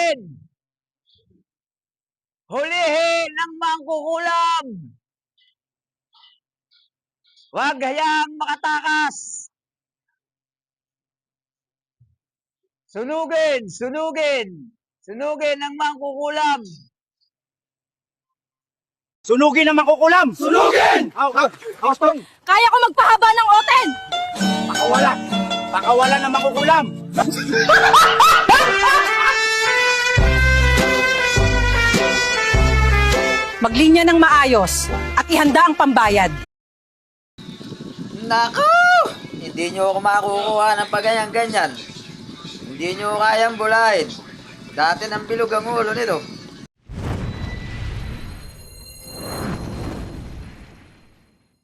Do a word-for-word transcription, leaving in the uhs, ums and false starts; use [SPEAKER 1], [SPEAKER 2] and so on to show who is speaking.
[SPEAKER 1] Sunugin! Hulihin ng mangkukulam! Huwag hayaang makatakas! Sunugin! Sunugin! Sunugin ng mangkukulam!
[SPEAKER 2] Sunugin ang makukulam! Sunugin! Aw, aw, aw, stop!
[SPEAKER 3] Kaya ko magpahaba ng oten!
[SPEAKER 2] Pakawala! Pakawala ng makukulam!
[SPEAKER 3] Maglinya ng maayos at ihanda ang pambayad.
[SPEAKER 4] Nako! Hindi nyo ako makukuha ng paganyan-ganyan. Hindi nyo kayang bulahin. Dati ng bilog ang ulo nito.